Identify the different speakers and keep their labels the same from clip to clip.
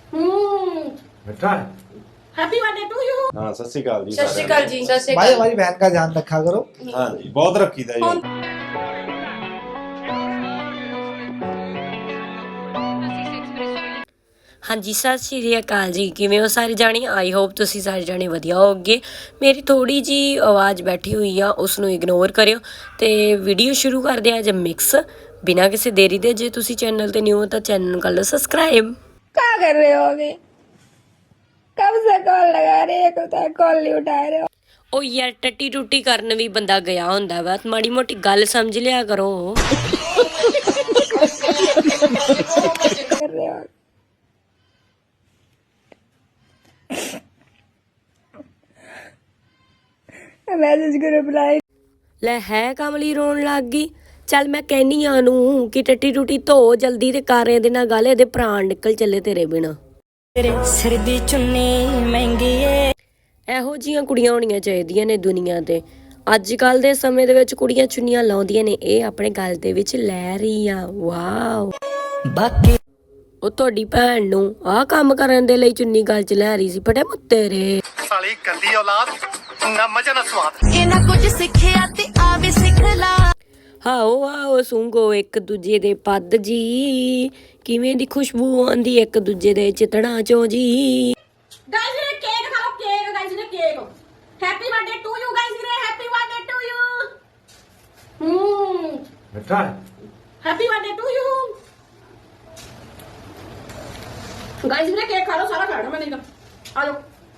Speaker 1: बेटा
Speaker 2: happy birthday to you.
Speaker 1: हाँ सत श्री अकाल जी।
Speaker 3: सत श्री अकाल जी। सत श्री
Speaker 4: भाई
Speaker 3: अकाल।
Speaker 4: हमारी बहन का ध्यान रखा करो।
Speaker 1: हाँ जी बहुत रखी था ये।
Speaker 5: ਹਾਂਜੀ ਸਤਿ ਸ਼੍ਰੀ ਅਕਾਲ ਜੀ। ਕਿਵੇਂ ਹੋ ਸਾਰੇ ਜਾਣੇ? ਆਈ ਹੋਪ ਤੁਸੀਂ ਸਾਰੇ ਜਾਣੇ ਵਧੀਆ ਹੋਵੋਗੇ। ਮੇਰੀ ਥੋੜੀ ਜੀ ਆਵਾਜ਼ ਬੈਠੀ ਹੋਈ ਆ, ਉਸ ਨੂੰ ਇਗਨੋਰ ਕਰਿਓ ਤੇ ਵੀਡੀਓ ਸ਼ੁਰੂ ਕਰਦੇ ਆ ਅੱਜ ਮਿਕਸ ਬਿਨਾਂ ਕਿਸੇ ਦੇਰੀ ਦੇ। ਜੇ ਤੁਸੀਂ ਚੈਨਲ ਤੇ ਨਿਊ ਹੋ ਤਾਂ ਚੈਨਲ ਨੂੰ ਕਰ ਲਓ ਸਬਸਕ੍ਰਾਈਬ।
Speaker 6: क्या कर रहे हो अभी? कब से कॉल लगा रहे हो, कॉल नहीं उठा रहे हो?
Speaker 5: ਉਹ ਯਾਰ ਟੱਟੀ ਟੁੱਟੀ ਕਰਨ ਵੀ ਬੰਦਾ ਗਿਆ ਹੁੰਦਾ ਵਾ, ਮਾੜੀ ਮੋਟੀ ਗੱਲ ਸਮਝ ਲਿਆ ਕਰੋ।
Speaker 6: कर रहे हो मैसेज को रिप्लाई
Speaker 5: ਲੈ ਹੈ ਕਮਲੀ ਰੋਣ ਲੱਗ ਗਈ। ਚੱਲ ਮੈਂ ਕਹਿਨੀ ਆ ਨੂੰ ਕਿ ਟੱਟੀ ਟੁੱਟੀ ਧੋ ਜਲਦੀ ਤੇ ਕਰ ਇਹਦੇ ਨਾਲ ਗੱਲ, ਇਹਦੇ ਪ੍ਰਾਣ ਨਿਕਲ ਚੱਲੇ ਤੇਰੇ ਬਿਨਾ। ਤੇਰੇ ਸਿਰ ਦੀ ਚੁੰਨੀ ਮਹਿੰਗੀ ਏ। ਇਹੋ ਜੀਆਂ ਕੁੜੀਆਂ ਹੋਣੀਆਂ ਚਾਹੀਦੀਆਂ ਨੇ ਦੁਨੀਆ ਤੇ। ਅੱਜ ਕੱਲ ਦੇ ਸਮੇਂ ਦੇ ਵਿੱਚ ਕੁੜੀਆਂ ਚੁੰਨੀਆਂ ਲਾਉਂਦੀਆਂ ਨੇ, ਇਹ ਆਪਣੇ ਗਲ ਦੇ ਵਿੱਚ ਲੈ ਰਹੀ ਆ। ਵਾਓ। ਬਾਕੀ ਉਹ ਤੁਹਾਡੀ ਭੈਣ ਨੂੰ ਆਹ ਕੰਮ ਕਰਨ ਦੇ ਲਈ ਚੁੰਨੀ ਗਲ 'ਚ ਲੈ ਰਹੀ ਸੀ। ਫਟੇ ਮੁੱਤੇ ਰੇ
Speaker 7: ਸਾਲੀ ਗੰਦੀ ਔਲਾਦ, ਨਾ ਮਜ਼ਾ ਨਾ ਸਵਾਦ।
Speaker 8: ਇਹਨਾਂ ਕੁਝ ਸਿੱਖਿਆ ਤੇ ਆ ਵੀ ਸਿੱਖ ਲਾ।
Speaker 5: ਹਾਓ ਆਓ ਸੁੰਘੋ ਇੱਕ ਦੂਜੇ ਦੇ ਪੱਦ ਜੀ, ਕਿਵੇਂ ਦੀ ਖੁਸ਼ਬੂ ਆਉਂਦੀ ਇੱਕ ਦੂਜੇ ਦੇ ਚਿਤੜਾਂ ਚੋਂ ਜੀ।
Speaker 2: गाइस ये केक खा लो, केक गाइस ये cake. Happy birthday to you guys ये हैप्पी बर्थडे टू यू।
Speaker 1: बेटा
Speaker 2: happy birthday to you guys ये केक खा लो, सारा खाना मैंने आ जाओ।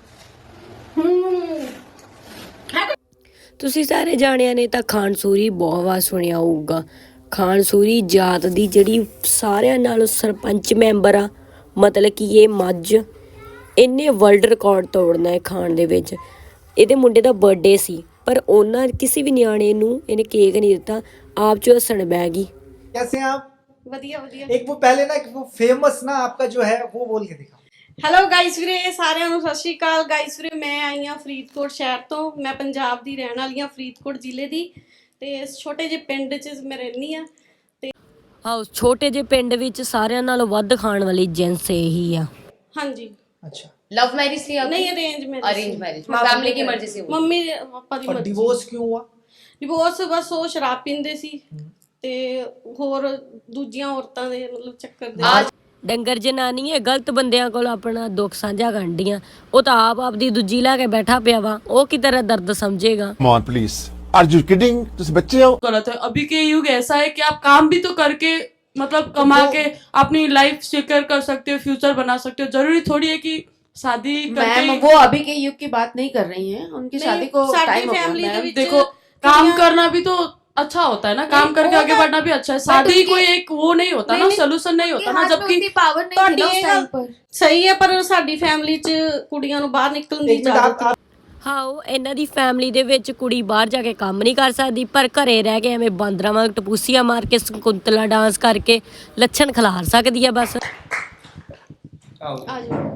Speaker 5: ਤੁਸੀਂ ਸਾਰੇ ਜਾਣਿਆਂ ਨੇ ਤਾਂ ਖਾਨਸੂਰੀ ਬਹੁਤ ਵਾਰ ਸੁਣਿਆ ਹੋਊਗਾ। ਖਾਨਸੂਰੀ ਜਾਤ ਦੀ ਜਿਹੜੀ ਸਾਰਿਆਂ ਨਾਲੋਂ ਸਰਪੰਚ ਮੈਂਬਰ ਆ, ਮਤਲਬ ਕਿ ਇਹ ਮੱਝ, ਇਹਨੇ ਵਰਲਡ ਰਿਕਾਰਡ ਤੋੜਨਾ ਹੈ ਖਾਣ ਦੇ ਵਿੱਚ। ਇਹਦੇ ਮੁੰਡੇ ਦਾ ਬਰਥਡੇ ਸੀ ਪਰ ਉਹਨਾਂ ਕਿਸੇ ਵੀ ਨਿਆਣੇ ਨੂੰ ਇਹਨੇ ਕੇਕ ਨਹੀਂ ਦਿੱਤਾ, ਆਪ ਚ ਹੱਸਣ ਬਹਿ ਗਈ।
Speaker 4: कैसे हैं आप?
Speaker 2: ਵਧੀਆ ਵਧੀਆ।
Speaker 4: एक वो पहले ना वो फेमस ना आपका जो है वो बोल के दिखाओ।
Speaker 2: ਹੈਲੋ ਗਾਇਸ ਵੀਰੇ, ਸਾਰਿਆਂ ਨੂੰ ਸਤਿ ਸ਼੍ਰੀ ਅਕਾਲ। ਗਾਇਸ ਵੀਰੇ ਮੈਂ ਆਈ ਹਾਂ ਫਰੀਦਕੋਟ ਸ਼ਹਿਰ ਤੋਂ। ਮੈਂ ਪੰਜਾਬ ਦੀ ਰਹਿਣ ਵਾਲੀ ਹਾਂ, ਫਰੀਦਕੋਟ ਜ਼ਿਲ੍ਹੇ ਦੀ, ਤੇ ਇਸ ਛੋਟੇ ਜਿਹੇ ਪਿੰਡ 'ਚ ਮੈਂ ਰਹਿੰਦੀ ਹਾਂ। ਤੇ
Speaker 5: ਆਹ ਛੋਟੇ ਜਿਹੇ ਪਿੰਡ ਵਿੱਚ ਸਾਰਿਆਂ ਨਾਲੋਂ ਵੱਧ ਖਾਣ ਵਾਲੀ ਜਿੰਸ ਇਹੀ ਆ।
Speaker 2: ਹਾਂਜੀ।
Speaker 4: अच्छा
Speaker 3: लव मैरिज थी आपकी?
Speaker 2: नहीं arrange marriage.
Speaker 3: Arrange marriage family की मर्जी से हुई?
Speaker 2: मम्मी पापा ਦੀ
Speaker 4: और
Speaker 2: ਮਰਜ਼ੀ।
Speaker 4: डिवोर्स क्यों हुआ?
Speaker 2: ਡਿਵੋਰਸ ਬਸ ਉਹ ਸ਼ਰਾਬ ਪੀਂਦੇ ਸੀ ਤੇ ਹੋਰ ਦੂਜੀਆਂ ਔਰਤਾਂ ਦੇ ਮਤਲਬ ਚੱਕਰ ਦੇ।
Speaker 5: ਡੰਗਰ ਜਨਾਨੀ ਹੈ, ਗਲਤ ਬੰਦਿਆਂ ਕੋਲ ਆਪਣਾ ਦੁੱਖ ਸਾਂਝਾ ਕਰਦੀਆਂ। ਉਹ ਤਾਂ ਆਪ ਆਪਦੀ ਦੂਜੀ ਲੈ ਕੇ ਬੈਠਾ ਪਿਆ ਵਾ, ਉਹ ਕੀ ਤਰ੍ਹਾਂ ਦਰਦ ਸਮਝੇਗਾ।
Speaker 9: Come on, please. Are you kidding? तुम बच्चे हो?
Speaker 10: गलत है। अभी के युग ऐसा है कि आप काम भी तो करके मतलब कमा के अपनी लाइफ सिक्योर कर सकते हो, फ्यूचर बना सकते हो। जरूरी थोड़ी है कि शादी करके।
Speaker 3: मैम वो अभी के युग की बात नहीं कर रही हैं, उनकी शादी को टाइम हो गया। मैम
Speaker 10: देखो काम करना भी तो अच्छा होता है ना, काम करके आगे बढ़ना भी अच्छा है। शादी कोई एक वो नहीं होता ना, सोल्यूशन नहीं होता ना, जबकि
Speaker 3: पावर नहीं थी ना उस टाइम पर।
Speaker 2: ਸਹੀ ਹੈ ਪਰ ਸਾਡੀ ਫੈਮਿਲੀ 'ਚ ਕੁੜੀਆਂ ਨੂੰ ਬਾਹਰ ਨਿਕਲਣ ਦੀ
Speaker 4: एक मिनट
Speaker 2: ਇਜਾਜ਼ਤ
Speaker 4: आप
Speaker 5: ਹਾਂ ਉਹ ਇਹਨਾਂ ਦੀ ਫੈਮਿਲੀ ਦੇ ਵਿੱਚ ਕੁੜੀ ਬਾਹਰ ਜਾ ਕੇ ਕੰਮ ਨਹੀਂ ਕਰ ਸਕਦੀ, ਪਰ ਘਰੇ ਰਹਿ ਕੇ ਐਵੇਂ ਬਾਂਦਰਾਂ ਵਾਂਗ ਟਪੂਸੀਆਂ ਮਾਰ ਕੇ ਸਕੁੰਤਲਾ ਡਾਂਸ ਕਰਕੇ ਲੱਛਣ ਖਿਲਾਰ ਸਕਦੀ ਆ ਬਸ।
Speaker 2: ਆ ਜਾਓ।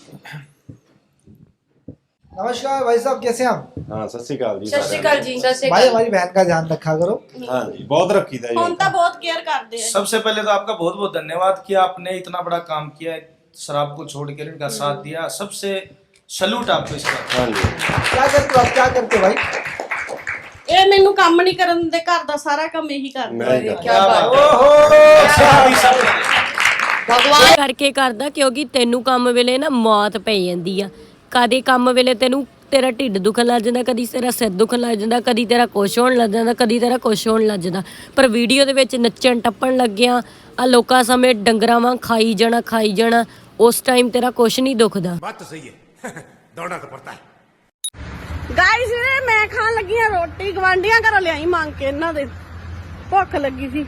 Speaker 4: नमस्कार भाई साहब, कैसे हैं आप?
Speaker 1: हाँ सत श्री अकाल जी।
Speaker 3: सत श्री अकाल जी। सत श्री
Speaker 4: भाई
Speaker 3: अकाल।
Speaker 4: हमारी बहन का ध्यान रखा करो।
Speaker 1: हाँ जी बहुत रखी था
Speaker 2: ਹੁਣ
Speaker 1: ये।
Speaker 2: ਤਾਂ ਬਹੁਤ ਕੇਅਰ ਕਰਦੇ ਆ।
Speaker 7: सबसे पहले तो आपका बहुत बहुत धन्यवाद कि आपने इतना बड़ा काम किया, शराब को छोड़कर इनका साथ दिया। सबसे सलूट आपको इसका।
Speaker 1: हाँ जी
Speaker 4: क्या करते हो आप? क्या करते हो भाई?
Speaker 2: ਇਹ ਮੈਨੂੰ ਕੰਮ ਨਹੀਂ ਕਰਨ ਦਿੰਦੇ, ਘਰ ਦਾ ਸਾਰਾ ਕੰਮ ਇਹੀ ਕਰਦੇ।
Speaker 1: मैं ही करता।
Speaker 3: क्या बात
Speaker 4: ओहो
Speaker 5: ਭਗਵਾਨ ਕਰਕੇ ਕਰਦਾ, ਕਿਉਂਕਿ ਤੈਨੂੰ ਕੰਮ ਵੇਲੇ ਨਾ ਮੌਤ ਪੈ ਜਾਂਦੀ ਆ। ਕਦੇ ਕੰਮ ਵੇਲੇ ਤੈਨੂੰ ਤੇਰਾ ਢਿੱਡ ਦੁਖਣ ਲੱਗ ਜਾਂਦਾ, ਕਦੀ ਤੇਰਾ ਸਿਰ ਦੁਖਣ ਲੱਗ ਜਾਂਦਾ, ਕਦੀ ਤੇਰਾ ਕੁਛ ਹੋਣ ਲੱਗ ਜਾਂਦਾ, ਕਦੀ ਤੇਰਾ ਕੁਛ ਹੋਣ ਲੱਗ ਜਾਂਦਾ। ਪਰ ਵੀਡੀਓ ਦੇ ਵਿੱਚ ਨੱਚਣ ਟੱਪਣ ਲੱਗਿਆ ਆ ਲੋਕਾਂ ਸਮੇਂ ਡੰਗਰਾਂ ਵਾਂਗ ਖਾਈ ਜਾਣਾ, ਉਸ ਟਾਈਮ ਤੇਰਾ ਕੁਛ ਨਹੀਂ ਦੁਖਦਾ।
Speaker 9: बात तो सही है। दौड़ना तो पड़ता है।
Speaker 2: ਗਾਇਸ ਵੀਰੇ ਮੈਂ ਖਾਣ ਲੱਗੀ ਆ ਰੋਟੀ, ਗਵਾਂਢੀਆਂ ਘਰੋਂ ਲਿਆਈ ਮੰਗ ਕੇ, ਇਹਨਾਂ ਦੇ ਭੁੱਖ ਲੱਗੀ ਸੀ।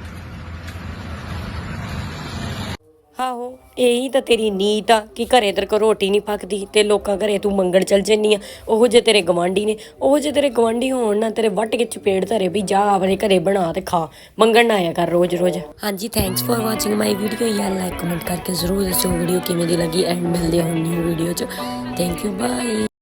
Speaker 5: ਆਹੋ ਇਹੀ ਤਾਂ ਤੇਰੀ ਨੀਤ ਆ ਕਿ ਘਰੇ ਤੇਰੇ ਕੋਲ ਰੋਟੀ ਨਹੀਂ ਪੱਕਦੀ ਤੇ ਲੋਕਾਂ ਘਰੇ ਤੂੰ ਮੰਗਣ ਚੱਲ ਜੰਨੀ ਆ। ਉਹੋ ਜੇ ਤੇਰੇ ਗਵਾਂਢੀ ਨੇ, ਉਹੋ ਜੇ ਤੇਰੇ ਗਵਾਂਢੀ ਹੋਣ ਨਾ ਤੇਰੇ ਵੱਟ ਕੇ ਚਪੇੜ ਧਰੇ ਵੀ ਜਾ ਆਪਣੇ ਘਰੇ ਬਣਾ ਤੇ ਖਾ, ਮੰਗਣ ਨਾ ਆਇਆ ਕਰ ਰੋਜ਼। ਹਾਂਜੀ thanks for watching my video. ਯਾਰ ਲਾਈਕ ਕਮੈਂਟ ਕਰਕੇ ਜ਼ਰੂਰ ਦੱਸੋ ਵੀਡੀਓ ਕਿਵੇਂ ਦੀ ਲੱਗੀ, ਐਂਡ ਮਿਲਦੇ ਹਾਂ ਨਿਊ ਵੀਡੀਓ 'ਚ। Thank you bye.